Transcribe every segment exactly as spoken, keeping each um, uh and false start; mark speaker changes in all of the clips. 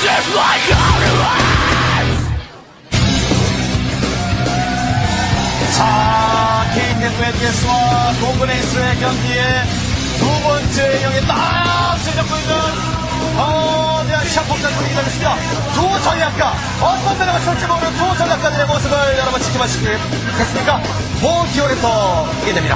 Speaker 1: 자, 케이티에스 웨드게스와 동그레이스의 경기에 두 번째 경기 딱 시작되고 있는 어, 대한 시합 복장 분위기 되겠습니다. 두 전략가 어떤 전략을 쓸지 모르는 두 전략가들의 모습을 여러분 지켜보시겠습니까? 모티올에서 보게 됩니다.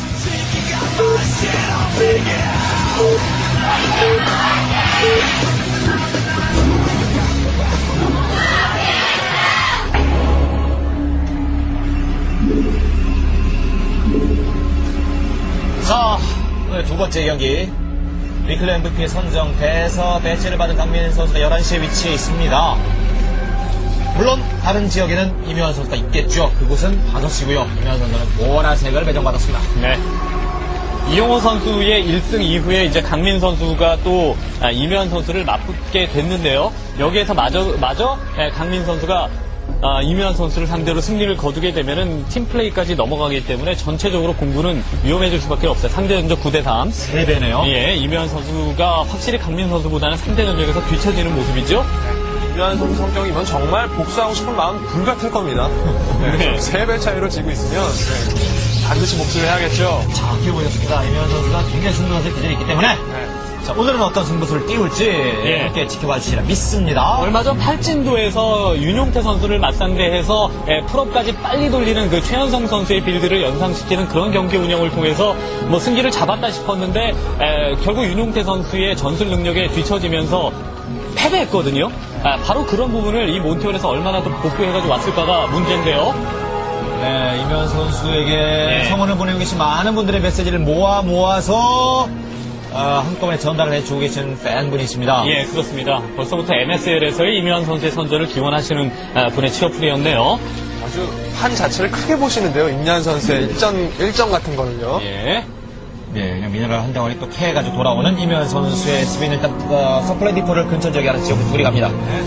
Speaker 1: 자, 오늘 두 번째 경기 위클리 엠브이피 선정돼서 배치를 받은 강민현 선수가 열한 시에 위치해 있습니다. 물론 다른 지역에는 이명환 선수가 있겠죠. 그곳은 다섯 시고요. 이명환 선수는 보라색을 배정받았습니다.
Speaker 2: 네. 이용호 선수의 일 승 이후에 이제 강민 선수가 또 아, 이명환 선수를 맞붙게 됐는데요. 여기에서 마저, 마저 예, 강민 선수가 아, 이명환 선수를 상대로 승리를 거두게 되면은 팀플레이까지 넘어가기 때문에 전체적으로 공부는 위험해질 수밖에 없어요. 상대 전적 구 대 삼.
Speaker 1: 세 배네요.
Speaker 2: 예, 이명환 선수가 확실히 강민 선수보다는 상대 전적에서 뒤처지는 모습이죠.
Speaker 3: 이명환 선수 성격이면 정말 복수하고 싶은 마음 불같을 겁니다. 네, 세 배 차이로 지고 있으면 네, 반드시 복수를 해야겠죠.
Speaker 1: 자, 기회보였습니다. 이명환 선수가 굉장히 승부수의 기질이 있기 때문에
Speaker 3: 네.
Speaker 1: 자, 오늘은 어떤 승부수를 띄울지
Speaker 2: 예.
Speaker 1: 함께 지켜봐 주시라 믿습니다.
Speaker 2: 얼마 전 팔진도에서 윤용태 선수를 맞상대해서 예, 풀업까지 빨리 돌리는 그 최현성 선수의 빌드를 연상시키는 그런 경기 운영을 통해서 뭐 승기를 잡았다 싶었는데 에, 결국 윤용태 선수의 전술 능력에 뒤처지면서 패배했거든요. 아, 바로 그런 부분을 이 몬티올에서 얼마나 더 복구해가지고 왔을까가 문제인데요.
Speaker 1: 네, 이명환 선수에게
Speaker 2: 네.
Speaker 1: 성원을 보내고 계신 많은 분들의 메시지를 모아 모아서 어, 한꺼번에 전달을 해주고 계신 팬분이 있습니다.
Speaker 2: 예, 그렇습니다. 벌써부터 엠에스엘에서의 이명환 선수의 선전을 기원하시는 아, 분의 취업풀이었네요.
Speaker 3: 아주 판 자체를 크게 보시는데요. 임현 선수의 일전, 일정 같은 거는요.
Speaker 2: 예.
Speaker 1: 네, 그냥 미네랄 한 덩어리 또 캐해가지고 돌아오는 이명환 선수의 수비는 일단 어, 서플라이 디포를 근처 지역에 하는 지역으로 둘이 갑니다.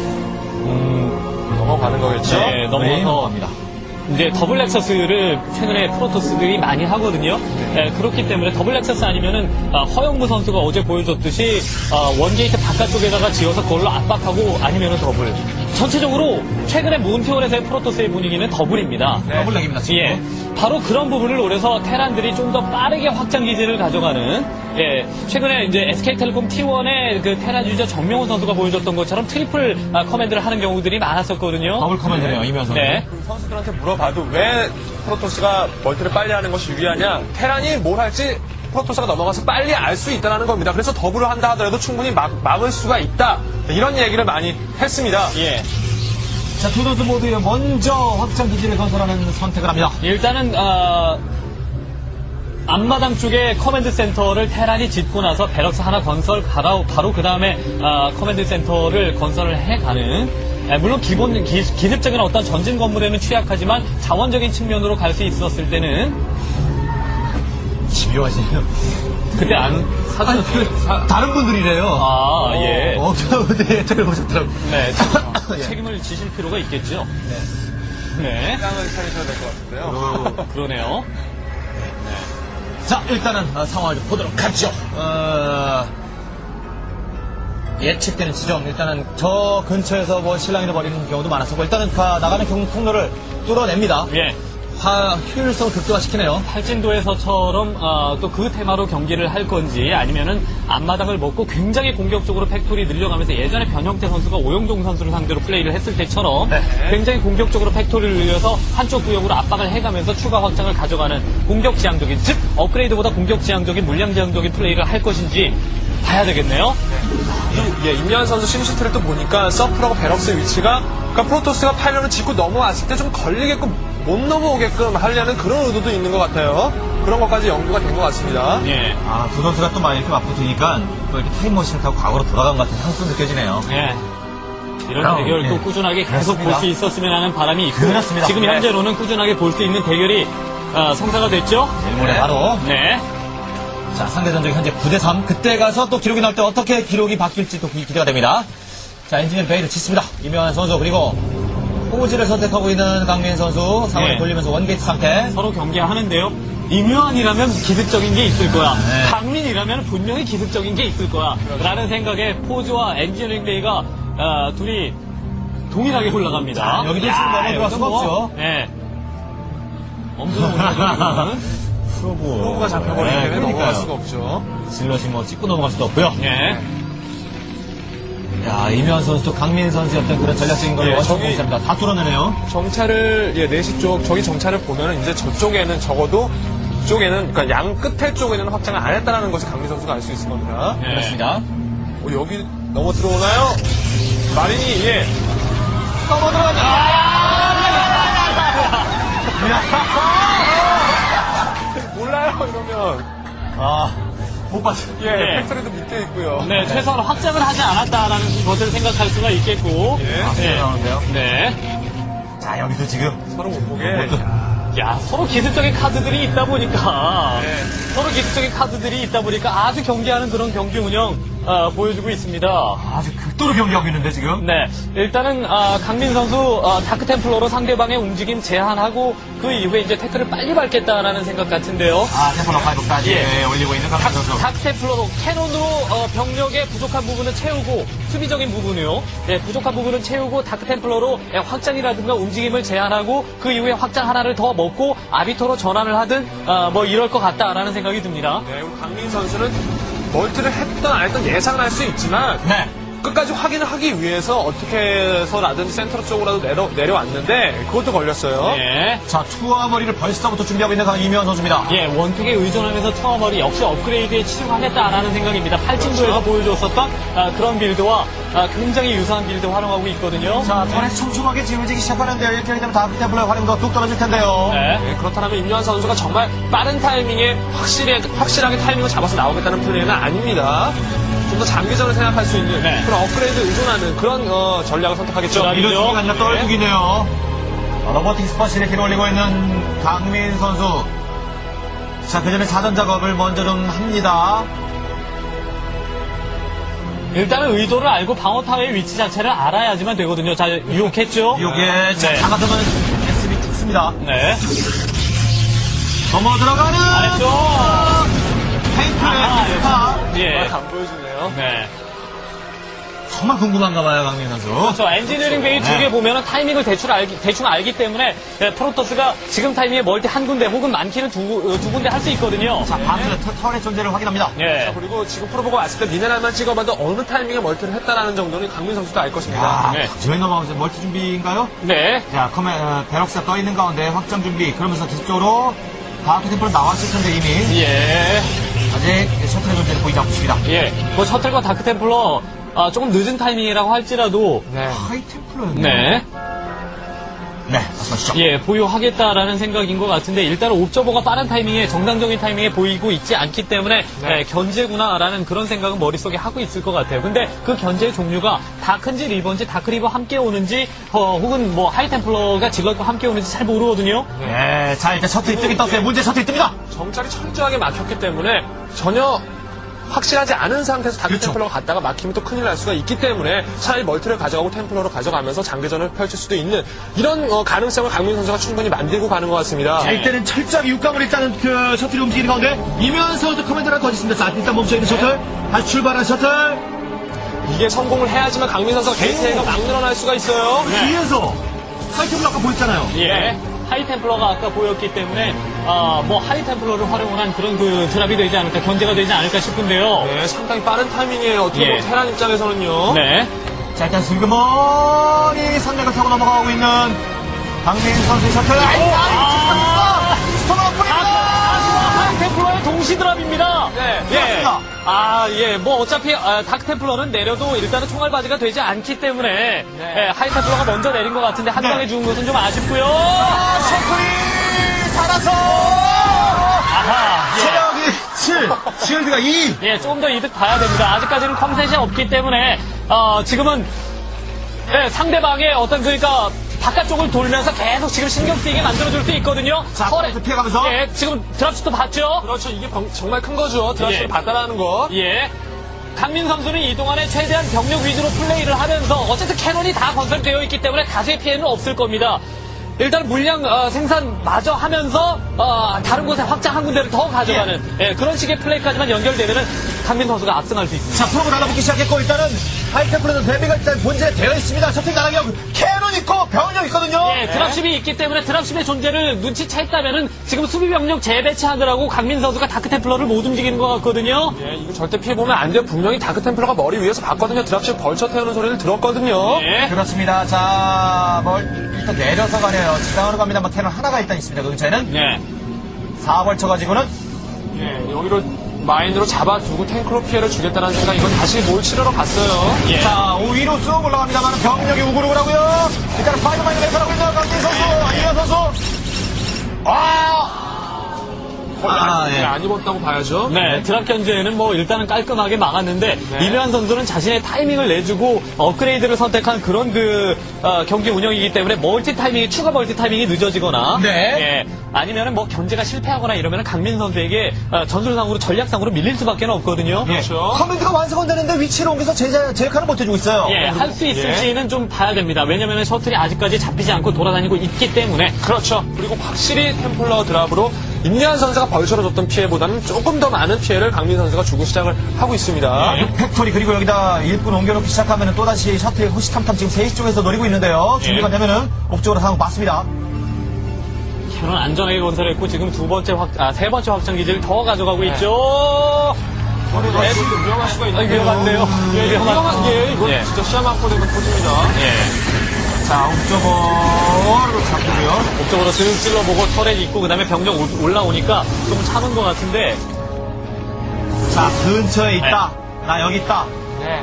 Speaker 3: 음, 넘어가는 거겠죠?
Speaker 2: 네,
Speaker 1: 네,
Speaker 2: 넘어서
Speaker 1: 넘어갑니다.
Speaker 2: 이제 더블 렉서스를 최근에 프로토스들이 많이 하거든요. 네, 그렇기 때문에 더블 렉서스 아니면은 아, 허영무 선수가 어제 보여줬듯이 아, 원게이트 바깥쪽에다가 지어서 그걸로 압박하고 아니면은 더블. 전체적으로 최근에 몬티올에서의 프로토스의 분위기는 더블입니다.
Speaker 1: 네. 더블렉입니다, 지금.
Speaker 2: 예, 바로 그런 부분을 노려서 테란들이 좀 더 빠르게 확장 기지를 가져가는. 예, 최근에 이제 에스케이텔레콤 티 원의 그 테란 유저 정명훈 선수가 보여줬던 것처럼 트리플 아, 커맨드를 하는 경우들이 많았었거든요.
Speaker 1: 더블 커맨드네요, 이명환 선수.
Speaker 2: 네.
Speaker 3: 그 선수들한테 물어봐도 왜 프로토스가 멀티를 빨리 하는 것이 유리하냐? 테란이 뭘 할지 프로토스가 넘어가서 빨리 알 수 있다는 겁니다. 그래서 더블을 한다 하더라도 충분히 막, 막을 수가 있다. 이런 얘기를 많이 했습니다.
Speaker 2: 예.
Speaker 1: 자, 두 선수 모두 먼저 확장 기지를 건설하는 선택을 합니다.
Speaker 2: 일단은 어, 앞마당 쪽에 커맨드 센터를 테란이 짓고 나서 베럭스 하나 건설 바로, 바로 그 다음에 어, 커맨드 센터를 건설을 해가는 에, 물론 기본 기, 기습적인 어떤 전진 건물에는 취약하지만 자원적인 측면으로 갈 수 있었을 때는
Speaker 1: 집요하시네요.
Speaker 2: 그때 안 사전
Speaker 1: 아, 다른 분들이래요.
Speaker 2: 아 예.
Speaker 1: 어, 네, 저를 보셨더라고요.
Speaker 2: 네.
Speaker 1: 예.
Speaker 2: 책임을 지실 필요가 있겠죠. 네. 네.
Speaker 3: 땅을 차리셔야 될 것 같은데요.
Speaker 2: 그러네요.
Speaker 1: 자, 일단은 어, 상황을 좀 보도록 하죠. 어, 예측되는 지점, 일단은 저 근처에서 뭐 실랑이를 벌이는 경우도 많았었고, 일단은 가, 나가는 경, 통로를 뚫어냅니다.
Speaker 2: 예.
Speaker 1: 화, 효율성을 극대화시키네요.
Speaker 2: 팔진도에서처럼 어, 또 그 테마로 경기를 할 건지 아니면은 앞마당을 먹고 굉장히 공격적으로 팩토리 늘려가면서 예전에 변형태 선수가 오영종 선수를 상대로 플레이를 했을 때처럼
Speaker 1: 네.
Speaker 2: 굉장히 공격적으로 팩토리를 늘려서 한쪽 구역으로 압박을 해가면서 추가 확장을 가져가는 공격 지향적인, 즉 업그레이드보다 공격 지향적인, 물량 지향적인 플레이를 할 것인지 봐야 되겠네요.
Speaker 3: 이, 예, 임현 선수 심시트를 또 보니까 서프라고 베럭스의 위치가 그러니까 프로토스가 파일런을 짚고 넘어왔을 때 좀 걸리게끔 못 넘어오게끔 하려는 그런 의도도 있는 것 같아요. 그런 것까지 연구가 된 것 같습니다.
Speaker 2: 예.
Speaker 1: 아, 두 선수가 또 막 이렇게 맞붙으니까 또 이렇게 타임머신을 타고 과거로 돌아간 것 같은 향수 느껴지네요.
Speaker 2: 예. 이런
Speaker 1: 그럼,
Speaker 2: 대결
Speaker 1: 예.
Speaker 2: 또 꾸준하게 계속
Speaker 1: 그렇습니다.
Speaker 2: 볼 수 있었으면 하는 바람이 있고
Speaker 1: 그렇습니다.
Speaker 2: 지금
Speaker 1: 네.
Speaker 2: 현재로는 꾸준하게 볼 수 있는 대결이 어, 성사가 됐죠.
Speaker 1: 내일 모레 바로.
Speaker 2: 네.
Speaker 1: 자, 상대 전적이 현재 구 대 삼. 그때 가서 또 기록이 나올 때 어떻게 기록이 바뀔지 또 기대가 됩니다. 자, 엔지니어 베이를 짓습니다. 이명환 선수, 그리고 포지를 선택하고 있는 강민 선수, 상황을
Speaker 2: 네.
Speaker 1: 돌리면서 원게이트 상태.
Speaker 2: 서로 경기하는데요. 임요한이라면 기습적인 게 있을 거야.
Speaker 1: 네.
Speaker 2: 강민이라면 분명히 기습적인 게 있을 거야. 라는 생각에 포즈와 엔지니어링 데이가 아, 둘이 동일하게 올라갑니다.
Speaker 1: 자, 여기도 지금 넘어 들어갈 수가 없죠.
Speaker 2: 네. 엄두도 못 나는
Speaker 1: 프로브.
Speaker 3: 프로브가 잡혀버리기
Speaker 1: 네,
Speaker 3: 때문에 넘어갈
Speaker 1: 그러니까요.
Speaker 3: 수가 없죠.
Speaker 1: 질럿이 뭐 찍고 넘어갈 수도 없고요.
Speaker 2: 네.
Speaker 1: 야, 이면 선수도 강민 선수의 어떤 그런 전략적인 걸
Speaker 3: 예,
Speaker 1: 완전
Speaker 3: 저기-
Speaker 1: 공개합니다. 다 뚫어내네요.
Speaker 3: 정찰을, 예, 네시 쪽, 저기 정찰을 보면은 이제 저쪽에는 적어도 이쪽에는, 그러니까 양 끝에 쪽에는 확장을 안 했다는 것을 강민 선수가 알 수 있을 겁니다.
Speaker 2: 네.
Speaker 1: 그렇습니다.
Speaker 3: 어, 여기 넘어 들어오나요? 마린이, 예.
Speaker 1: 넘어 들어가자.
Speaker 3: 몰라요, 이러면.
Speaker 1: 아, 못 봤어.
Speaker 3: 예,
Speaker 2: 예.
Speaker 3: 팩토리도 밑에 있고요.
Speaker 2: 네, 최소한 확장을 하지 않았다라는 것을 생각할 수가 있겠고.
Speaker 3: 예.
Speaker 1: 아,
Speaker 2: 네.
Speaker 1: 나오는데요.
Speaker 2: 네.
Speaker 1: 자, 여기도 지금.
Speaker 3: 서로 못 보게.
Speaker 2: 야, 서로 기술적인 카드들이 있다 보니까,
Speaker 3: 네.
Speaker 2: 서로 기술적인 카드들이 있다 보니까 아주 경계하는 그런 경기 운영, 어, 보여주고 있습니다.
Speaker 1: 아주 극도로 경기하고 있는데, 지금.
Speaker 2: 네, 일단은 아, 강민 선수 어, 다크 템플러로 상대방의 움직임 제한하고 그 이후에 이제 태클을 빨리 밟겠다라는 생각 같은데요.
Speaker 1: 아, 템플러 파이브까지
Speaker 2: 예.
Speaker 1: 올리고 있는 강민 선수.
Speaker 2: 다크 템플러로 캐논으로 어, 병력의 부족한 부분을 채우고 수비적인 부분이요. 예, 부족한 부분을 채우고 다크 템플러로 예, 확장이라든가 움직임을 제한하고 그 이후에 확장 하나를 더 먹고 아비토로 전환을 하든 어, 뭐 이럴 것 같다라는 생각이 듭니다.
Speaker 3: 네, 우리 강민 선수는 멀티를 했던 안 했던 예상을 할 수 있지만
Speaker 1: 네.
Speaker 3: 끝까지 확인을 하기 위해서 어떻게 해서라든지 센터 쪽으로라도 내려, 내려왔는데 그것도 걸렸어요.
Speaker 2: 예.
Speaker 1: 자, 투하 머리를 벌써부터 준비하고 있는 강 이면 선수입니다.
Speaker 2: 예, 원투에 의존하면서 투어머리 역시 업그레이드에 치중하겠다라는 생각입니다. 팔진도에서 보여줬었던 아, 그런 빌드와 아, 굉장히 유사한 빌드 활용하고 있거든요.
Speaker 1: 자, 턴에 촘촘하게 지어지기 시작하는데요. 이렇게 하게 되면 다크 템플러의 활용도가 뚝 떨어질 텐데요.
Speaker 2: 네.
Speaker 3: 네, 그렇다면 임요한 선수가 정말 빠른 타이밍에 확실히, 확실하게 타이밍을 잡아서 나오겠다는 플레이는 아닙니다. 좀 더 장기전을 생각할 수 있는
Speaker 2: 네.
Speaker 3: 그런 업그레이드 의존하는 그런 어, 전략을 선택하겠죠.
Speaker 2: 자,
Speaker 1: 이런
Speaker 2: 그렇죠.
Speaker 1: 중이 아니라 떨구기네요. 자, 로버틱 스퍼시를 길어 올리고 있는 강민 선수. 자, 그 전에 사전 작업을 먼저 좀 합니다.
Speaker 2: 일단은 의도를 알고 방어 타워의 위치 자체를 알아야지만 되거든요. 자, 유혹했죠?
Speaker 1: 요게, 자,
Speaker 2: 네.
Speaker 1: 다가서면 에스비 죽습니다.
Speaker 2: 네.
Speaker 1: 넘어 들어가는!
Speaker 2: 잘했죠?
Speaker 1: 페인트의
Speaker 2: 아,
Speaker 1: 스파.
Speaker 2: 예.
Speaker 3: 안 보여주네요.
Speaker 2: 네.
Speaker 1: 정말 궁금한가 봐요, 강민 선수.
Speaker 2: 그렇죠. 엔지니어링 베이 두
Speaker 1: 네.
Speaker 2: 개 보면은 타이밍을 대충 알기, 대충 알기 때문에 예, 프로토스가 지금 타이밍에 멀티 한 군데 혹은 많기는 두, 어, 두 군데 할 수 있거든요.
Speaker 1: 자, 바스 털의 존재를 확인합니다.
Speaker 2: 예.
Speaker 3: 자, 그리고 지금 프로보가 왔을 때 미네랄만 찍어봐도 어느 타이밍에 멀티를 했다라는 정도는 강민 선수도 알 것입니다.
Speaker 1: 아,
Speaker 2: 네.
Speaker 1: 저희 넘어가면서 멀티 준비인가요?
Speaker 2: 네.
Speaker 1: 자, 커맨, 어, 베럭스가 떠 있는 가운데 확장 준비. 그러면서 기습적으로 다크 템플로 나왔을 텐데 이미.
Speaker 2: 예.
Speaker 1: 아직 셔틀의 존재를 보이지 않고 있습니다.
Speaker 2: 예. 뭐 셔틀과 다크템플러 아, 조금 늦은 타이밍이라고 할지라도
Speaker 3: 네.
Speaker 1: 하이 템플러였네.
Speaker 2: 네.
Speaker 1: 네, 말씀하시죠.
Speaker 2: 예, 보유하겠다라는 생각인 것 같은데 일단은 옵저버가 빠른 타이밍에 정상적인 타이밍에 보이고 있지 않기 때문에
Speaker 3: 네.
Speaker 2: 예, 견제구나라는 그런 생각은 머릿속에 하고 있을 것 같아요. 근데 그 견제의 종류가 다크인지 리버인지 다크리버 함께 오는지 어, 혹은 뭐 하이템플러가 질럿과 함께 오는지 잘 모르거든요.
Speaker 1: 네, 자, 일단 셔틀이 뜨긴 떴어요. 문제 셔틀이 뜹니다.
Speaker 3: 정찰이 철저하게 막혔기 때문에 전혀 확실하지 않은 상태에서 다크
Speaker 1: 그렇죠.
Speaker 3: 템플러가 갔다가 막히면 또 큰일 날 수가 있기 때문에 차라리 멀티를 가져가고 템플러로 가져가면서 장기전을 펼칠 수도 있는 이런 어, 가능성을 강민 선수가 충분히 만들고 가는 것 같습니다.
Speaker 1: 자, 이때는 철저하게 육각을 일단은 그 셔틀이 움직이는 가운데 이면서도 커맨드가 거짓습니다. 자, 일단 멈춰있는 셔틀. 다시 출발한 셔틀.
Speaker 3: 이게 성공을 해야지만 강민 선수가 게이트가 막 늘어날 수가 있어요.
Speaker 1: 뒤에서 하이 템플러 아까 보였잖아요.
Speaker 2: 예. 하이템플러가 아까 보였기 때문에 아, 뭐 하이템플러를 활용을 한 그런 그 드랍이 되지 않을까 견제가 되지 않을까 싶은데요.
Speaker 3: 네, 상당히 빠른 타이밍이에요. 어떻게
Speaker 2: 예.
Speaker 3: 보면 테란 입장에서는요.
Speaker 2: 네.
Speaker 1: 자, 일단 슬그머니 산맥을 타고 넘어가고 있는 강민 선수의 셔틀. 아이, 아이, 스톱
Speaker 2: 하이템플러의 동시 드랍입니다.
Speaker 3: 네,
Speaker 2: 예.
Speaker 1: 그렇습니다.
Speaker 2: 아, 예. 뭐 어차피 아, 다크템플러는 내려도 일단은 총알바지가 되지 않기 때문에 예, 하이템플러가 먼저 내린 것 같은데 한
Speaker 1: 네.
Speaker 2: 방에 죽은 것은 좀 아쉽고요.
Speaker 1: 아, 셔틀이 살아서
Speaker 2: 아하. 예.
Speaker 1: 체력이 칠, 쉴드가 이.
Speaker 2: 예, 조금 더 이득 봐야 됩니다. 아직까지는 컴셋이 없기 때문에 어, 지금은 예, 상대방의 어떤 그러니까 바깥쪽을 돌면서 계속 지금 신경 쓰이게 만들어줄 수 있거든요.
Speaker 1: 자,
Speaker 2: 털에-
Speaker 1: 또 피해가면서.
Speaker 2: 예, 지금 드랍슛도 봤죠?
Speaker 3: 그렇죠. 이게 병- 정말 큰 거죠. 드라시를
Speaker 2: 예.
Speaker 3: 받다라는 거.
Speaker 2: 예. 강민 선수는 이 동안에 최대한 병력 위주로 플레이를 하면서 어쨌든 캐논이 다 건설되어 있기 때문에 다수의 피해는 없을 겁니다. 일단 물량 어, 생산 마저 하면서 어, 다른 곳에 확장 한 군데를 더 가져가는 예, 그런 식의 플레이까지만 연결되면은 강민 선수가 압승할 수 있습니다.
Speaker 1: 자, 프로가 달라붙기 시작했고, 일단은 하이템플러는 데뷔가 일단 본질에 되어 있습니다. 셔틀 나가기 캐논 있고 병력 있거든요.
Speaker 2: 예, 드랍십이 있기 때문에 드랍십의 존재를 눈치챘다면은 지금 수비 병력 재배치하느라고 강민 선수가 다크템플러를 못 움직이는 것 같거든요.
Speaker 3: 예, 이거 절대 피해보면 안 돼요. 분명히 다크템플러가 머리 위에서 봤거든요. 드랍십 벌쳐 태우는 소리를 들었거든요.
Speaker 2: 예.
Speaker 1: 그렇습니다. 자, 뭐 일단 내려서 가네요. 지상으로 갑니다만 캐논 하나가 일단 있습니다. 그 근처에는
Speaker 2: 예.
Speaker 1: 사 벌쳐 가지고는
Speaker 3: 예, 여기로 마인으로 잡아두고 탱크로 피해를 주겠다는 생각, 이건 다시 뭘 치러러 갔어요.
Speaker 2: 예.
Speaker 1: 자, 오 위로 쑥 올라갑니다만 병력이 우글우글 하고요. 일단 스파이더맨이 내서라고 있는 강민 선수, 이현 선수. 아! 아,
Speaker 3: 예.
Speaker 1: 예.
Speaker 3: 안 입었다고 봐야죠.
Speaker 2: 네, 드랍 견제는 뭐 일단은 깔끔하게 막았는데 이묘한 선수는 자신의 타이밍을 내주고 업그레이드를 선택한 그런 그 어, 경기 운영이기 때문에 멀티 타이밍이 추가 멀티 타이밍이 늦어지거나
Speaker 1: 네.
Speaker 2: 예, 아니면은 뭐 견제가 실패하거나 이러면은 강민 선수에게 어, 전술상으로 전략상으로 밀릴 수밖에 없거든요.
Speaker 3: 그렇죠.
Speaker 1: 커맨드가 완성은 되는데 위치를 옮겨서 제, 제 역할을 못해주고 있어요.
Speaker 2: 예, 할 수 있을지는 좀 봐야 됩니다. 왜냐면은 셔틀이 아직까지 잡히지 않고 돌아다니고 있기 때문에.
Speaker 3: 그렇죠. 그리고 확실히 템플러 드랍으로 임리한 선수가 벌처로 줬던 피해보다는 조금 더 많은 피해를 강민 선수가 주고 시작을 하고 있습니다.
Speaker 2: 예.
Speaker 1: 팩토리 그리고 여기다 일꾼 옮겨놓기 시작하면 또다시 셔틀 호시탐탐 지금 세 시 쪽에서 노리고 있는데요. 준비가 되면은 옥쪽으로 상황 맞습니다.
Speaker 2: 캐논 안전하게 건설했고 지금 두 번째 확, 아, 세 번째 확장 기지를 더 가져가고 있죠.
Speaker 3: 네, 위험할 수가 있는데.
Speaker 2: 위험한데요.
Speaker 3: 예, 위험한 게 이건
Speaker 2: 예.
Speaker 3: 진짜 시야 막고 되면 터집니다.
Speaker 2: 예.
Speaker 1: 자, 옥쪽으로 잡고요.
Speaker 2: 목적으로 드 찔러보고 터렛 있고 그 다음에 병력 올- 올라오니까 좀 참은 것 같은데.
Speaker 1: 자, 근처에 있다. 나 여기 있다.
Speaker 3: 네.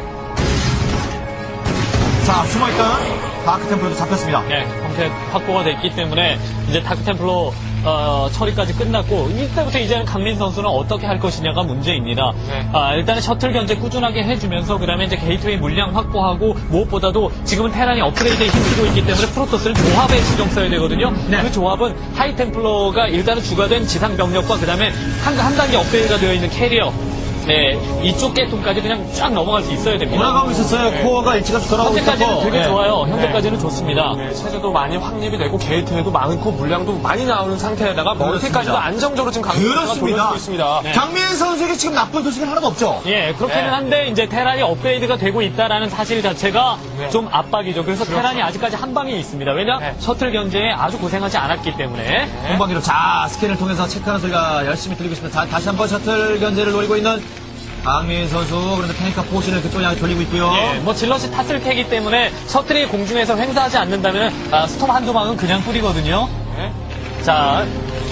Speaker 1: 자, 숨어있던 다크템플러도 잡혔습니다.
Speaker 2: 예, 형태 확보가 됐기 때문에 이제 다크템플러 어, 처리까지 끝났고 이때부터 이제는 강민 선수는 어떻게 할 것이냐가 문제입니다.
Speaker 3: 네.
Speaker 2: 아, 일단은 셔틀 견제 꾸준하게 해주면서 그다음에 이제 게이트웨이 물량 확보하고 무엇보다도 지금은 테란이 업그레이드에 힘쓰고 있기 때문에 프로토스는 조합에 신경 써야 되거든요.
Speaker 1: 네.
Speaker 2: 그 조합은 하이템플러가 일단은 주가된 지상 병력과 그다음에 한, 한 단계 업그레이드가 되어 있는 캐리어. 네, 이쪽 계통까지 그냥 쫙 넘어갈 수 있어야 됩니다.
Speaker 1: 돌아가고 있었어요. 코어가 일찌감치 돌아가고
Speaker 2: 현재까지는
Speaker 1: 있었고.
Speaker 2: 되게
Speaker 1: 예.
Speaker 2: 좋아요. 현재까지는 좋습니다.
Speaker 3: 네, 체제도 많이 확립이 되고 게이트에도 많고 물량도 많이 나오는 상태에다가 멀티까지도
Speaker 1: 그렇습니다.
Speaker 3: 안정적으로 지금 강민 선수가
Speaker 1: 그렇습니다.
Speaker 3: 돌려주고 있습니다.
Speaker 2: 네.
Speaker 1: 강민 선수에게 지금 나쁜 소식은 하나도 없죠.
Speaker 2: 예, 그렇게는
Speaker 3: 네.
Speaker 2: 한데 이제 테란이 업그레이드가 되고 있다라는 사실 자체가
Speaker 3: 네.
Speaker 2: 좀 압박이죠. 그래서 테란이 아직까지 한 방에 있습니다. 왜냐?
Speaker 3: 네.
Speaker 2: 셔틀 견제에 아주 고생하지 않았기 때문에.
Speaker 1: 공방기로 자 스캔을 통해서 체크하는 소리가 열심히 들리고 있습니다. 자, 다시 한번 셔틀 견제를 노리고 있는 강민 선수. 그런데 테니까 포신을 그쪽에 향해 돌리고 있고요.
Speaker 2: 예, 뭐 질럿이 탔을 테기 때문에 셔틀이 공중에서 횡사하지 않는다면 아, 스톰 한두 방은 그냥 뿌리거든요.
Speaker 3: 네.
Speaker 2: 자,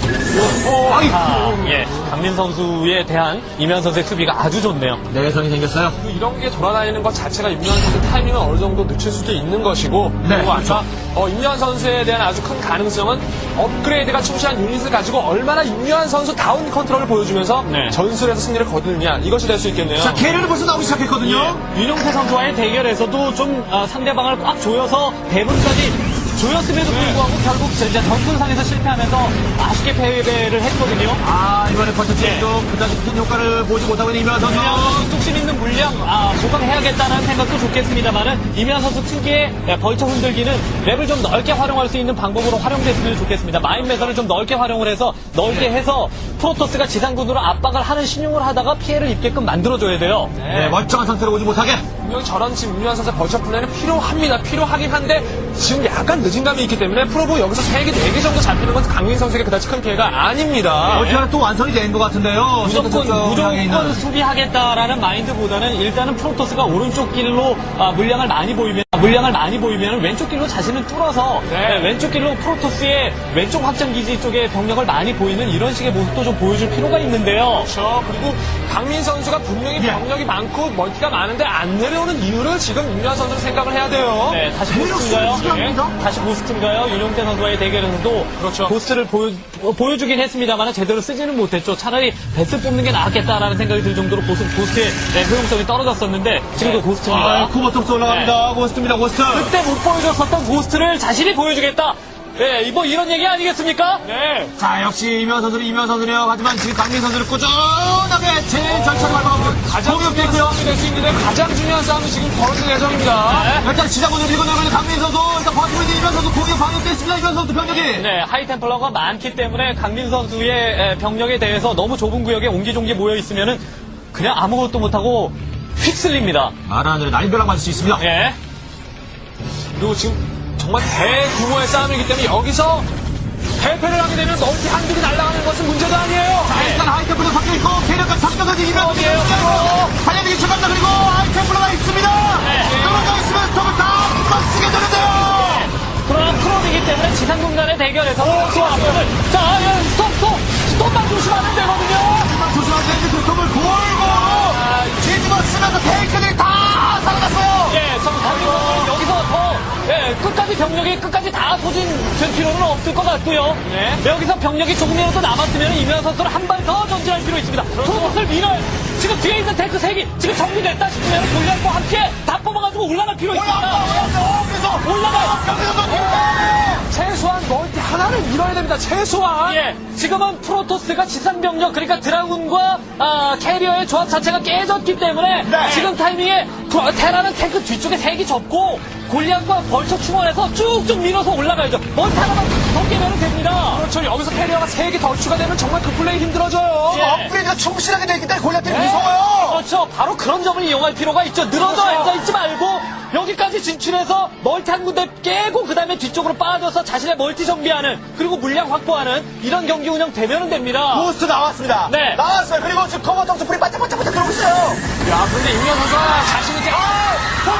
Speaker 1: 오, 아이고.
Speaker 2: 아, 예, 강민 선수에 대한 이면 선수의 수비가 아주 좋네요.
Speaker 1: 내성이 생겼어요.
Speaker 3: 그리고 이런 게 돌아다니는 것 자체가 임요한 선수 타이밍을 어느 정도 늦출 수도 있는 것이고,
Speaker 1: 네,
Speaker 3: 그리고
Speaker 1: 그렇죠.
Speaker 3: 아까 어, 임요한 선수에 대한 아주 큰 가능성은 업그레이드가 충실한 유닛을 가지고 얼마나 임요한 선수 다운 컨트롤을 보여주면서
Speaker 2: 네.
Speaker 3: 전술에서 승리를 거두느냐, 이것이 될 수 있겠네요.
Speaker 1: 자, 캐리는 벌써 나오기 시작했거든요.
Speaker 2: 예, 윤용태 선수와의 대결에서도 좀 아, 상대방을 꽉 조여서 대분까지 조였음에도 불구하고 결국 이제 전술상에서 실패하면서 아쉽게 패배를 했거든요.
Speaker 1: 아, 이번에 버터 도 그다지 큰 효과를 보지 못하고 있는 이면 선수.
Speaker 2: 이면 선수 뚝심 있는 물량 아, 보강해야겠다는 생각도 좋겠습니다만은 이면 선수 특유의 벌처 흔들기는 랩을 좀 넓게 활용할 수 있는 방법으로 활용됐으면 좋겠습니다. 마인 매설을 좀 넓게 활용을 해서 넓게 해서 프로토스가 지상군으로 압박을 하는 신용을 하다가 피해를 입게끔 만들어줘야 돼요.
Speaker 1: 네, 멀쩡한 상태로 오지 못하게.
Speaker 3: 분명히 저런 지금 임요한 선수의 벌처 플랜은 필요합니다. 필요하긴 한데 지금 약간 늦은 감이 있기 때문에 프로브 여기서 세 개, 네 개 정도 잡히는 건 강민 선수에게 그다지 큰 피해가 아닙니다.
Speaker 1: 어떻게 하나 또 완성이 된 것 같은데요.
Speaker 2: 무조건
Speaker 1: 저쪽 향해 있는.
Speaker 2: 무조건 수비하겠다라는 마인드보다는 일단은 프로토스가 오른쪽 길로 아, 물량을 많이 보이면 물량을 많이 보이면 왼쪽 길로 자신을 뚫어서
Speaker 3: 네.
Speaker 2: 네, 왼쪽 길로 프로토스의 왼쪽 확장 기지 쪽에 병력을 많이 보이는 이런 식의 모습도 좀 보여줄 필요가 있는데요.
Speaker 3: 그렇죠. 그리고 강민 선수가 분명히
Speaker 1: 예.
Speaker 3: 병력이 많고 멀티가 많은데 안 내려오는 이유를 지금 임요한 선수는 생각을 해야 돼요.
Speaker 2: 네, 다시
Speaker 1: 대륙
Speaker 2: 고스트인가요?
Speaker 1: 수비합니다.
Speaker 2: 네, 다시 고스트인가요? 윤용태 선수와의 대결에서도
Speaker 3: 그렇죠.
Speaker 2: 고스트를 보여, 보여주긴 했습니다만 제대로 쓰지는 못했죠. 차라리 베스 뽑는 게 낫겠다라는 생각이 들 정도로 고스, 고스트의 네, 효용성이 떨어졌었는데 지금도 고스트입니다.
Speaker 1: 아, 쿠버톱스 올라갑니다. 고스트입니다, 고스트.
Speaker 2: 그때 못 보여줬었던 고스트를 자신이 보여주겠다. 네, 뭐 이런 얘기 아니겠습니까?
Speaker 3: 네.
Speaker 1: 자, 역시 이면 선수는 이면 선수네요. 하지만 지금 강민 선수는 꾸준하게 제일 절차를 밟아가고
Speaker 3: 가장 중요한
Speaker 1: 공격됐고요.
Speaker 3: 싸움이 될 수 있는데 가장 중요한 싸움이 지금 벌어질 예정입니다.
Speaker 1: 일단 지자군을 밀고 내려가는 강민 선수. 일단 버티고 있는 이면 선수 공격 방역됐습니다. 이면 선수 병력이.
Speaker 2: 네, 하이템플러가 많기 때문에 강민 선수의 에, 병력에 대해서 너무 좁은 구역에 옹기종기 모여 있으면은 그냥 아무것도 못하고 휩쓸립니다.
Speaker 1: 마라하늘의 날벼락 맞을 수 있습니다.
Speaker 2: 예.
Speaker 3: 그리고 지금 정말 대규모의 싸움이기 때문에 여기서 대패를 하게 되면 멀티 한두 개 날아가는 것은 문제가 아니에요.
Speaker 1: 자, 일단 하이템플러 섞여있고, 캐리어까지 섞여서 이기면
Speaker 2: 어디에요?
Speaker 1: 달려들기 시작한다. 그리고 하이템플러가 있습니다.
Speaker 2: 네.
Speaker 1: 떨어져 있으면 저걸 다 맞추게 되는데요.
Speaker 2: 그러나 프로이기 때문에 지상군간의 대결에서 프로토스를 자, 예, 스톱, 스톱, 스톱만 조심하면 되거든요.
Speaker 1: 하지만 조심하세요. 그 스톱을 골고루 뒤집어 쓰면서 탱크들이 다 살아났어요.
Speaker 2: 예, 정상적으로 여기서 더 예, 끝까지 병력이 끝까지 다 소진될 필요는 없을 것 같고요.
Speaker 3: 네.
Speaker 2: 여기서 병력이 조금이라도 남았으면 이면 선수를 한 발 더 전진할 필요 있습니다. 프로토스를 밀어요. 지금 뒤에 있는 탱크 세 개 지금 정리됐다 싶으면 골리앗과 함께 다 뽑아가지고 올라갈 필요 있습니다.
Speaker 1: 그래서
Speaker 2: 올라가요.
Speaker 3: 최소한 멀티 하나를 밀어야 됩니다. 최소한.
Speaker 2: 예, 지금은 프로토스가 지상병력 그러니까 드라군과 아, 캐리어의 조합 자체가 깨졌기 때문에
Speaker 1: 네.
Speaker 2: 지금 타이밍에 프로- 테라는 탱크 뒤쪽에 세 개 접고 골리앗과 벌처 충원해서 쭉쭉 밀어서 올라가야죠. 멀티 하나만 더 깨면 됩니다.
Speaker 3: 그렇죠. 여기서 캐리어가 세 개 더 추가되면 정말 그 플레이 힘들어져요.
Speaker 2: 예.
Speaker 1: 업그레이드가 충실하게 되어 있기 때문에 골리앗들이
Speaker 2: 네.
Speaker 1: 무서워요.
Speaker 2: 그렇죠. 바로 그런 점을 이용할 필요가 있죠. 늘어져
Speaker 3: 그렇죠.
Speaker 2: 앉아있지 말고 여기까지 진출해서 멀티 한 군데 깨고 그 다음에 뒤쪽으로 빠져서 자신의 멀티 정비하는 그리고 물량 확보하는 이런 경기 운영 되면 됩니다.
Speaker 1: 부스트 나왔습니다.
Speaker 2: 네.
Speaker 1: 나왔어요. 그리고 지금 커버 점수 풀이 반짝반짝반짝 들어오고 있어요.
Speaker 3: 야, 그런데 임현 선수가 자신있게. 아!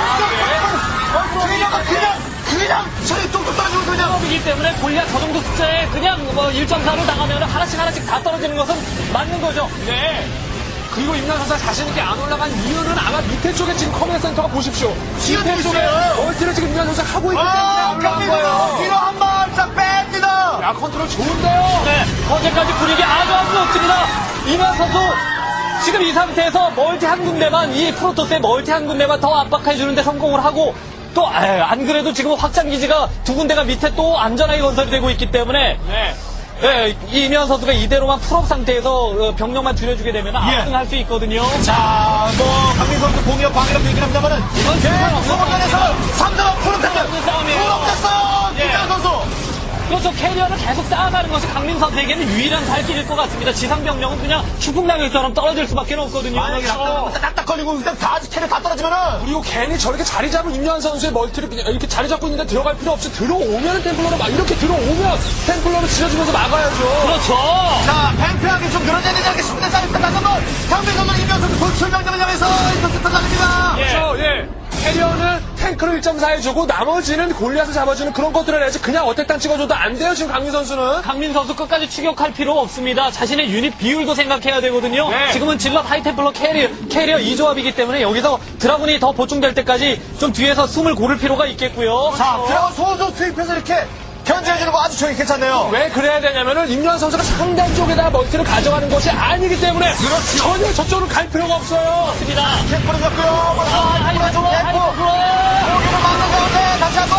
Speaker 1: 그냥 그냥 그냥 저희 뚝뚝 떨어지고 그냥
Speaker 2: 이기 때문에 골리앗 저 정도 숫자에 그냥 뭐 일 점 사로 당하면 하나씩 하나씩 다 떨어지는 것은 맞는 거죠.
Speaker 3: 네. 그리고 임현 선수가 자신있게 안 올라간 이유는 아마 밑에 쪽에 지금 커맨드 센터가 보십시오.
Speaker 1: 지금
Speaker 3: 밑에 쪽에
Speaker 1: 있어요.
Speaker 3: 멀티를 지금 임현 선수가 하고 있기 때문에
Speaker 1: 아,
Speaker 3: 안 올라간
Speaker 1: 경기도
Speaker 3: 거예요.
Speaker 1: 뒤로 한 발짝 뺍니다.
Speaker 3: 야, 컨트롤 좋은데요?
Speaker 2: 네, 어제까지 분위기 아주 아주 좋습니다. 이만 선수 지금 이 상태에서 멀티 한 군데만 이 프로토스의 멀티 한 군데만 더 압박해주는데 성공을 하고 또 안 그래도 지금 확장기지가 두 군데가 밑에 또 안전하게 건설이 되고 있기 때문에
Speaker 3: 네.
Speaker 2: 예, 이면 선수가 이대로만 풀업 상태에서 어, 병력만 줄여주게 되면 압승할 수 있거든요.
Speaker 1: 자, 뭐 강민 선수 공이업 방이라고 얘기를 합니다만은
Speaker 2: 이건
Speaker 1: 계속
Speaker 2: 상관없는
Speaker 1: 소모전에서
Speaker 2: 싸움이에요.
Speaker 1: 삼 점 풀업됐어요.
Speaker 2: 없는 싸움이에요.
Speaker 1: 풀업됐어요.
Speaker 2: 예.
Speaker 1: 김현 선수.
Speaker 2: 그렇죠. 캐리어를 계속 쌓아가는 것이 강민 선수에게는 유일한 살 길일 것 같습니다. 지상 병력은 그냥 추풍낙엽처럼 떨어질 수밖에 없거든요.
Speaker 1: 만약에
Speaker 2: 그렇죠.
Speaker 1: 낙딱, 딱딱 걸리고 그냥 다 캐를 다 떨어지면은
Speaker 3: 그리고 괜히 저렇게 자리 잡은 임현 선수의 멀티를 그냥 이렇게 자리 잡고 있는데 들어갈 필요 없이 들어오면 템플러로 막 이렇게 들어오면 템플러로 지어주면서 막아야죠.
Speaker 2: 그렇죠.
Speaker 1: 자, 팽팽하게 좀 늘어져야 되지 않겠습니다. 자, 일단 다시 한번 강민 선수 임현 선수 돌출명령을 향해서 인터셉터 날립니다.
Speaker 2: 예.
Speaker 3: 그렇죠. 예. 캐리어는 탱크를 일 점 사 해주고 나머지는 골리앗을 잡아주는 그런 것들을 해야지 그냥 어택당 찍어줘도 안 돼요. 지금 강민 선수는.
Speaker 2: 강민 선수 끝까지 추격할 필요 없습니다. 자신의 유닛 비율도 생각해야 되거든요.
Speaker 3: 네.
Speaker 2: 지금은 질럿 하이템플러 캐리어, 캐리어 이 조합이기 때문에 여기서 드라군이 더 보충될 때까지 좀 뒤에서 숨을 고를 필요가 있겠고요.
Speaker 1: 자, 드라곤 소소 투입해서 이렇게 견제해주는 거 아주 저기 괜찮네요.
Speaker 3: 왜 그래야 되냐면은 임현 선수가 상단 쪽에다 멀티를 가져가는 것이 아니기 때문에
Speaker 1: 그렇죠.
Speaker 3: 전혀 저쪽으로 갈 필요가 없어요.
Speaker 2: 맞습니다.
Speaker 1: 캠프를 잡고요.
Speaker 2: 아, 하이템플러, 하이템플러.
Speaker 1: 여기로 막는 가운데 다시 한번.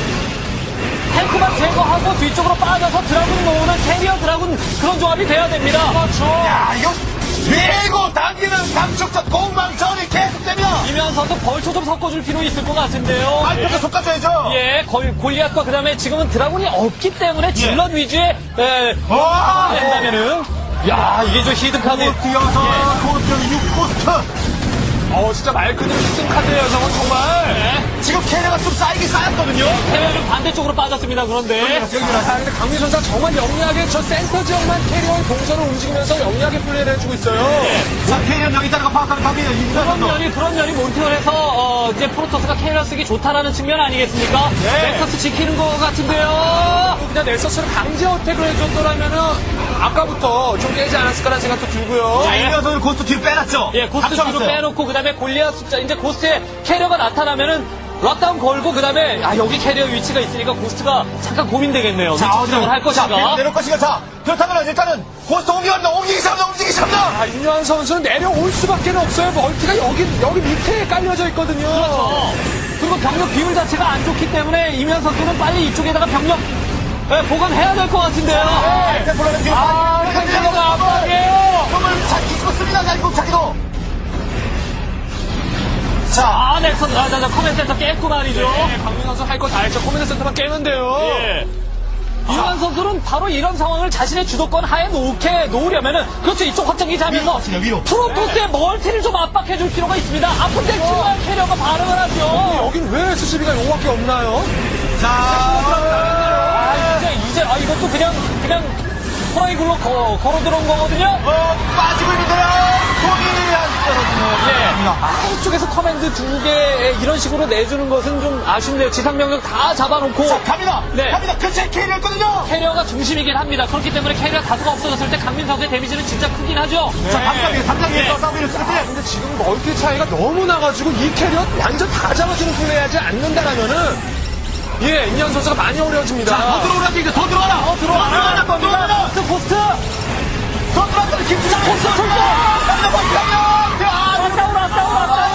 Speaker 2: 탱크만 제거하고 뒤쪽으로 빠져서 드라군 모으는 캐리어 드라군 그런 조합이 돼야 됩니다.
Speaker 3: 그렇죠.
Speaker 1: 야, 이거 밀고 당기는 감축적 공망전이 계속되면
Speaker 2: 이면 선수 벌초 좀 섞어줄 필요 있을 것 같은데요.
Speaker 1: 발표도 솎아줘야죠.
Speaker 2: 예, 골, 골리앗과 그 다음에 지금은 드라군이 없기 때문에 질럿 위주의, 에,
Speaker 1: 와!
Speaker 2: 된다면은. 야, 이게 저 히든카드.
Speaker 1: 뛰어서 코스트 육 코스트.
Speaker 3: 어, 진짜 말 그대로 십 카드예요, 저건 정말.
Speaker 1: 지금 캐리어가 좀 쌓이긴 쌓였거든요.
Speaker 2: 해외는 반대쪽으로 빠졌습니다, 그런데.
Speaker 3: 아, 근데 강민 선수가 정말 영리하게 저 센터 지역만 캐리어의 동선을 움직이면서 영리하게 플레이를 해주고 있어요.
Speaker 1: 자, 캐리어 여기 있다는 거 파악하는 갑니다.
Speaker 2: 그런
Speaker 1: 이분선
Speaker 2: 면이, 그런 면이 몬티올에서, 어, 이제 프로토스가 캐리어 쓰기 좋다라는 측면 아니겠습니까?
Speaker 3: 네.
Speaker 2: 넥서스 지키는 것 같은데요.
Speaker 3: 그냥 넥서스를 강제 어택을 해줬더라면은 아까부터 좀 깨지 않았을 거라는 생각도 들고요.
Speaker 1: 자, 이면서 고스트 뒤로 빼놨죠.
Speaker 2: 예, 고스트 뒤로
Speaker 1: 감춰놨어요.
Speaker 2: 빼놓고, 그 다음에 골리앗 숫자, 이제 고스트에 캐리어가 나타나면은, 락다운 걸고, 그 다음에, 아, 여기 캐리어 위치가 있으니까 고스트가 잠깐 고민되겠네요.
Speaker 1: 자,
Speaker 2: 추적을 할
Speaker 1: 자,
Speaker 2: 것인가.
Speaker 1: 내려올 것인가. 자, 그렇다면 일단은 고스트 옮기갑니다. 옮기기 시작합니다. 옮기기 시작합니다.
Speaker 3: 아, 임요한 선수는 내려올 수밖에 없어요. 멀티가 여기, 여기 밑에 깔려져 있거든요.
Speaker 2: 어, 그리고 병력 비율 자체가 안 좋기 때문에 이면 선수는 빨리 이쪽에다가 병력 예, 보강해야 될 것 같은데요.
Speaker 1: 네, 템플러는 뒤로
Speaker 2: 아,
Speaker 1: 빠지고
Speaker 2: 템플러가 압박이에요.
Speaker 1: 몸을 잘 뒤집었습니다. 날고 자기도. 자,
Speaker 2: 아, 넥슨, 아, 자, 자, 커맨 센터 깼고 말이죠.
Speaker 3: 네, 강민 선수 할 거 다 했죠. 코미디 센터만 깨는데요.
Speaker 2: 예. 이완 선수는 바로 이런 상황을 자신의 주도권 하에 놓게 놓으려면은 그렇죠. 이쪽 확장기 잡면서
Speaker 1: 위로, 위로.
Speaker 2: 프로토스의 멀티를 좀 압박해줄 필요가 있습니다. 아픈데 필요한 캐리어가 반응을 하죠.
Speaker 3: 여긴 왜 에스씨비가 요거밖에 없나요?
Speaker 1: 자,
Speaker 2: 아, 이제 이제 아 이것도 그냥 그냥 호라이글로 거, 걸어 들어온 거거든요.
Speaker 1: 어, 빠지고 있는데요. 손이 안 떨어지네요.
Speaker 2: 예. 아, 이쪽에서 커맨드 두 개 이런 식으로 내주는 것은 좀 아쉽네요. 지상 병력 다 잡아놓고
Speaker 1: 자, 갑니다.
Speaker 2: 네.
Speaker 1: 갑니다. 근처에 캐리였거든요.
Speaker 2: 캐리어가 중심이긴 합니다. 그렇기 때문에 캐리어 다수가 없어졌을 때 강민 선수의 데미지는 진짜 크긴 하죠.
Speaker 1: 자, 담장 위에, 담장 위에서
Speaker 2: 네.
Speaker 1: 싸움을 했을 때.
Speaker 3: 근데 지금 멀티 차이가 너무 나가지고 이 캐리어 완전 다 잡아주는 플레이하지 않는다라면은 예, 임현 선수가 많이 어려워집니다.
Speaker 1: 자, 더 들어오라지, 이제 더 들어와라. 더
Speaker 2: 들어와라.
Speaker 1: 더 들어와라.
Speaker 2: 포스트 포스트.
Speaker 1: 더 들어왔더니 김수장 포스 돌고. 남자 버스 가면. 아,
Speaker 2: 왔다오 왔다오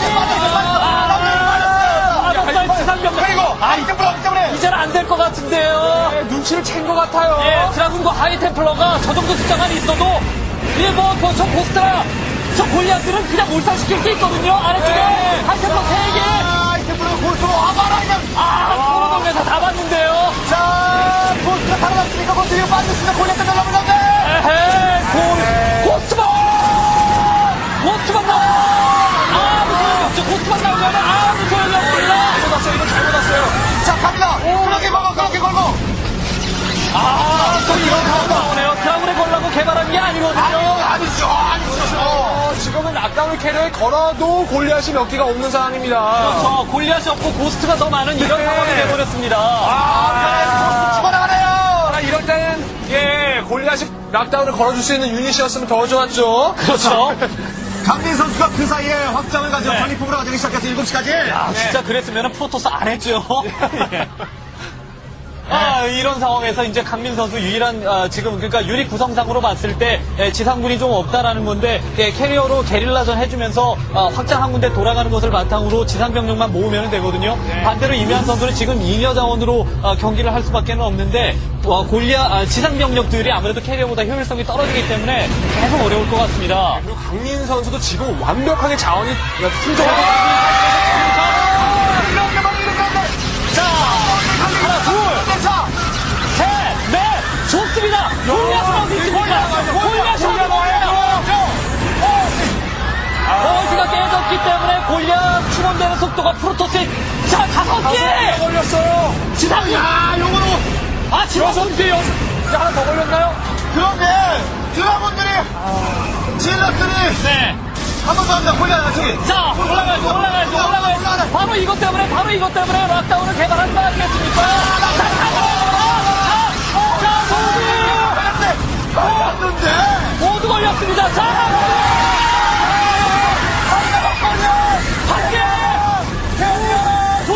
Speaker 2: 왔다오. 지상 병력.
Speaker 1: 그리고, 아, 이 때문에, 이 때문에.
Speaker 2: 이제는 안 될 것 같은데요.
Speaker 3: 예, 눈치를 챈 것 같아요.
Speaker 2: 예, 드라군과 하이템플러가 저 정도 숫자만 있어도 예, 뭐, 뭐, 저 포스트라 저 골리앗들은 그냥 몰살시킬 게 있거든요. 아래쪽에
Speaker 1: 네.
Speaker 2: 하이템플러 세 개.
Speaker 1: 아, 이 때문에 골수로 와봐라, 그냥.
Speaker 2: 아, 도로 동네에서 다 봤는데요.
Speaker 1: 자, 골수가 살아났으니까 골수 위로 빠졌습니다. 골리앗들 날라오는데.
Speaker 2: 에헤, 골, 고스트만! 고스트만 나와! 아무 소용이 없죠. 고스트만 나오면 아무 소용이 없습니다.
Speaker 3: 잘못 왔어요. 이거 잘못 왔어요.
Speaker 1: 자, 갑니다. 그렇게 걸고, 그렇게 걸고.
Speaker 2: 아, 또 이런 상황 나오네요. 드라군에 걸라고 개발한 게 아니거든요.
Speaker 1: 아니죠, 아니죠.
Speaker 3: 어, 지금은 락다운 캐리어에 걸어도 골리앗이 몇 개가 없는 상황입니다.
Speaker 2: 저 골리앗이 없고 고스트가 더 많은 이런
Speaker 3: 네.
Speaker 2: 상황이 되어버렸습니다.
Speaker 1: 아, 집어나가네요.
Speaker 3: 아, 이럴 때는 예, 골리앗이 락다운을 걸어줄 수 있는 유닛이었으면 더 좋았죠.
Speaker 2: 그렇죠.
Speaker 1: 강민 선수가 그 사이에 확장을 가지고
Speaker 2: 네.
Speaker 1: 관리품으로 가지기 시작해서 일곱 시까지.
Speaker 2: 아, 진짜 그랬으면 프로토스 안 했죠. 예. 아, 이런 상황에서 이제 강민 선수 유일한 아, 지금 그러니까 유닛 구성상으로 봤을 때 예, 지상군이 좀 없다라는 건데 예, 캐리어로 게릴라전 해주면서 아, 확장 한 군데 돌아가는 것을 바탕으로 지상 병력만 모으면 되거든요. 반대로 이면 선수는 지금 잉여 자원으로 아, 경기를 할 수밖에 없는데 와, 골리아 아, 지상 병력들이 아무래도 캐리어보다 효율성이 떨어지기 때문에 계속 어려울 것 같습니다.
Speaker 3: 그리고 강민 선수도 지금 완벽하게 자원이 풍족하고
Speaker 1: 이렇게 많이 이렇게 한다.
Speaker 2: 자, 하나, 둘.
Speaker 1: 자,
Speaker 2: 셋, 넷, 좋습니다. 골리앗은 어디 있습니까? 골리앗이 어디 버즈가 깨졌기 때문에 골리앗 충원되는 속도가 프로토스의 자, 다섯 개!
Speaker 3: 걸렸어요.
Speaker 2: 지상군!
Speaker 1: 야, 요거로.
Speaker 2: 아, 지상군!
Speaker 3: 여섯 개, 여섯 개 하나 더 걸렸나요?
Speaker 1: 그런데 드라곤들이 질럿들이
Speaker 2: 네.
Speaker 1: 한 번 더 합니다. 골리앗 저기.
Speaker 2: 자, 올라가야죠, 올라가야죠, 올라가야죠. 바로 이것 때문에, 바로 이것 때문에 락다운을 개발한 거 아니겠습니까? 자, 자, 모두!
Speaker 1: 걸렸는데.
Speaker 2: 모두 걸렸습니다. 자, 한 개! 둘!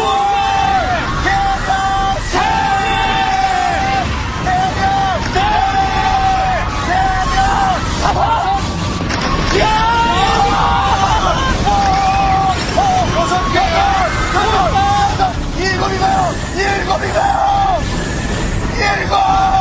Speaker 2: 셋! 다섯!
Speaker 1: 여섯 개. 일곱이가요. 일곱이가요. 일곱.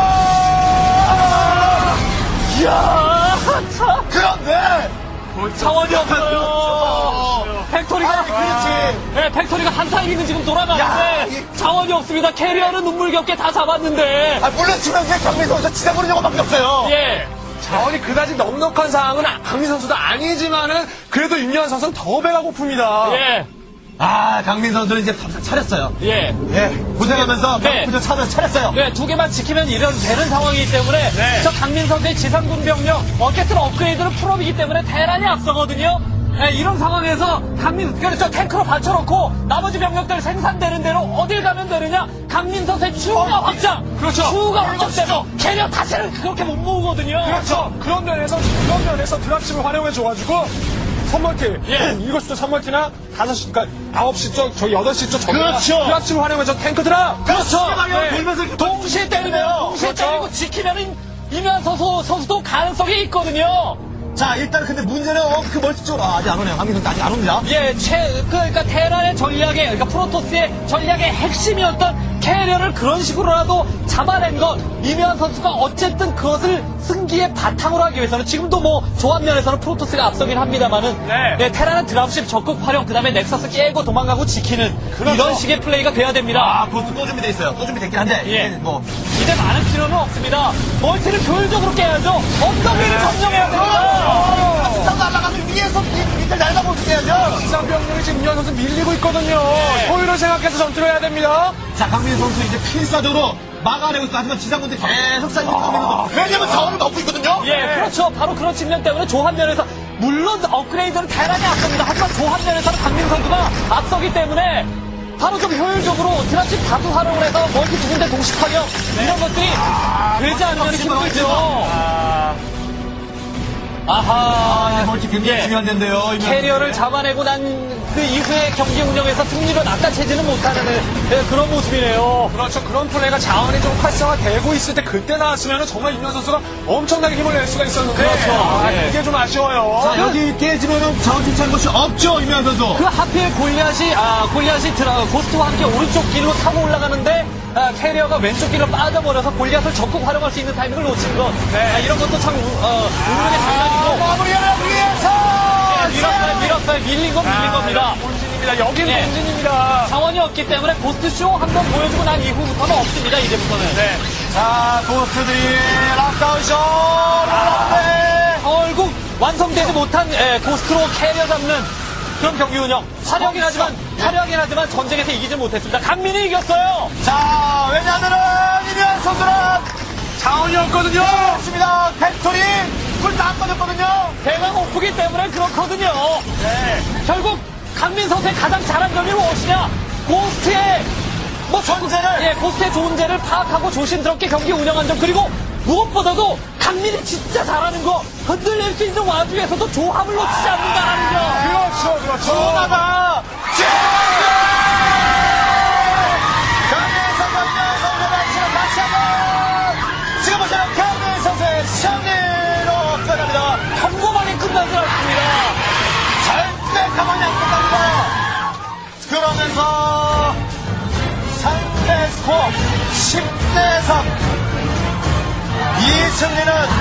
Speaker 2: 이야, 참.
Speaker 1: 그런데.
Speaker 2: 자원이 없어요. 팩토리가,
Speaker 1: 아니, 그렇지.
Speaker 2: 네, 팩토리가 한 타이밍은 지금
Speaker 1: 야,
Speaker 2: 돌아가는데,
Speaker 1: 이-
Speaker 2: 자원이 없습니다. 캐리어는 눈물겹게 다 잡았는데,
Speaker 1: 아, 물론 지금 이제 강민 선수 지상으로 요거밖에 없어요.
Speaker 2: 예.
Speaker 3: 자원이 그다지 넉넉한 상황은 강민 선수도 아니지만은 그래도 임현 선수는 더 배가 고픕니다.
Speaker 2: 예.
Speaker 1: 아, 강민 선수는 이제 밥상 차렸어요.
Speaker 2: 예.
Speaker 1: 예, 고생하면서
Speaker 2: 네.
Speaker 1: 밥상 차면서 차렸어요.
Speaker 2: 네, 두 개만 지키면 이런 되는 상황이기 때문에
Speaker 3: 네.
Speaker 2: 저 강민 선수의 지상군 병력 어쨌든 업그레이드는 풀업이기 때문에 대란이 앞서거든요. 네, 이런 상황에서 강민 그렇죠 탱크로 받쳐놓고 나머지 병력들 생산되는 대로 어딜 가면 되느냐 강민 선수의 추가 확장
Speaker 3: 그렇죠.
Speaker 2: 추가 확장 때문에 캐리어 다시는 그렇게 못 모으거든요.
Speaker 3: 그렇죠. 그런 면에서 그런 면에서 드랍십을 활용해 줘가지고 선멀티
Speaker 2: 예.
Speaker 3: 일곱 시쪽 선멀티나 다섯 시 그러니까 아홉 시 쪽 저기 여덟 시 쪽 저기
Speaker 1: 그렇죠.
Speaker 3: 드랍십을 활용해 줘 탱크 드랍.
Speaker 2: 그렇죠.
Speaker 1: 네.
Speaker 2: 네.
Speaker 1: 돌면서 이렇게
Speaker 2: 동시에 때리면 동시에
Speaker 3: 그렇죠.
Speaker 2: 때리고 지키면은 이면 선수 선수도 가능성이 있거든요.
Speaker 1: 자, 일단 근데 문제는 어, 그 멀티 쪽으로 아, 아직 안 오네요. 강민 선수 아직 안 옵니다.
Speaker 2: 예, 최, 그, 그러니까 테란의 전략의, 그러니까 프로토스의 전략의 핵심이었던 캐리어를 그런 식으로라도 잡아낸 것, 이면 선수가 어쨌든 그것을 승기의 바탕으로 하기 위해서는 지금도 뭐 조합면에서는 프로토스가 앞서긴 합니다만은
Speaker 3: 네.
Speaker 2: 네, 테라는 드랍십 적극 활용, 그다음에 넥서스 깨고 도망가고 지키는
Speaker 1: 그렇죠.
Speaker 2: 이런 식의 플레이가 돼야 됩니다.
Speaker 1: 아, 고스 또 준비돼 있어요. 또 준비됐긴 한데.
Speaker 2: 예.
Speaker 1: 이게 뭐.
Speaker 2: 이제 많은 필요는 없습니다. 멀티를 효율적으로 깨야죠. 언덕 위를 점령해야 됩니다.
Speaker 1: 스타도 날아가면 위에서 밑- 밑을 날아보게 해야죠.
Speaker 3: 지상 병력이 지금 이현 선수 밀리고 있거든요. 효율을 생각해서 전투를 해야 됩니다.
Speaker 1: 자, 강민 선수 이제 필사적으로 막아내고 있어. 하지만 지상군들이 계속 쌓이는 강민 선수. 왜냐면 자원을 넣고 있거든요.
Speaker 2: 예, 그렇죠. 바로 그런 측면 때문에 조합면에서 물론 업그레이드는 대단히 앞섭니다. 하지만 조합면에서는 강민 선수가 앞서기 때문에 바로 좀 효율적으로 드랍십 다수 활용을 해서 멀티 두 군데 동시 타격 이런 것들이 되지 않으면 힘들죠. 아하.
Speaker 1: 아, 멀티 굉장히
Speaker 2: 예.
Speaker 1: 중요한 데인데요. 이면-
Speaker 2: 캐리어를 잡아내고 난 그 이후에 경기 운영에서 승리를 낚아채지는 못하는 예, 그런 모습이네요.
Speaker 3: 그렇죠. 그런 플레이가 자원이 좀 활성화되고 있을 때 그때 나왔으면 정말 임현 선수가 엄청나게 힘을 낼 수가 있었는데
Speaker 2: 그렇죠.
Speaker 3: 아,
Speaker 2: 예.
Speaker 3: 그게 좀 아쉬워요.
Speaker 1: 자, 여기 깨지면은 자원 주차한 것이 없죠, 이면 선수.
Speaker 2: 그 하필 골리앗이 아 골리앗이 드라, 고스트와 함께 오른쪽 길로 타고 올라가는데 아, 캐리어가 왼쪽 길로 빠져버려서 골리앗을 적극 활용할 수 있는 타이밍을 놓친 것.
Speaker 3: 네.
Speaker 2: 아, 이런 것도 참 우- 어, 운명의 장난이고
Speaker 1: 마무리하기 위해서!
Speaker 2: 밀었어요, 밀었어요, 밀린 건 밀린 겁니다.
Speaker 3: 본진입니다. 여기는
Speaker 2: 예.
Speaker 3: 본진입니다.
Speaker 2: 자원이 없기 때문에 고스트쇼 한번 보여주고 난 이후부터는 없습니다. 이제부터는.
Speaker 3: 네.
Speaker 1: 자, 고스트들이 락다운쇼! 락다운!
Speaker 2: 결국 완성되지 못한 예, 고스트로 캐리어 잡는 그런 경기 운영. 화려하긴 하지만 화려하긴 하지만 전쟁에서 이기지 못했습니다. 강민이 이겼어요.
Speaker 1: 자, 왜냐하면은 이면 선수는
Speaker 3: 자원이 없거든요.
Speaker 1: 없습니다. 팩토리 불다 꺼졌거든요.
Speaker 2: 배가 고프기 때문에 그렇거든요.
Speaker 1: 네.
Speaker 2: 결국 강민 선수의 가장 잘한 점이 무엇이냐? 고스트의 뭐
Speaker 1: 존재를!
Speaker 2: 예, 고스트의 존재를 파악하고 조심스럽게 경기 운영한 점, 그리고 무엇보다도 강민이 진짜 잘하는 거, 흔들릴 수 있는 와중에서도 조합을 놓치지 않는다는 점.
Speaker 3: 그렇죠. 그렇죠.
Speaker 1: 조나가 강민 선수, 이면 선수가 지금 다시 한번 지금 보시는 강민 선수의 승리로 끝납니다.
Speaker 2: 평범하게 끝나지 않습니다.
Speaker 1: 절대 가만히 안 끝납니다. 그러면서 상대 스코어 십 대 삼. 이 승리는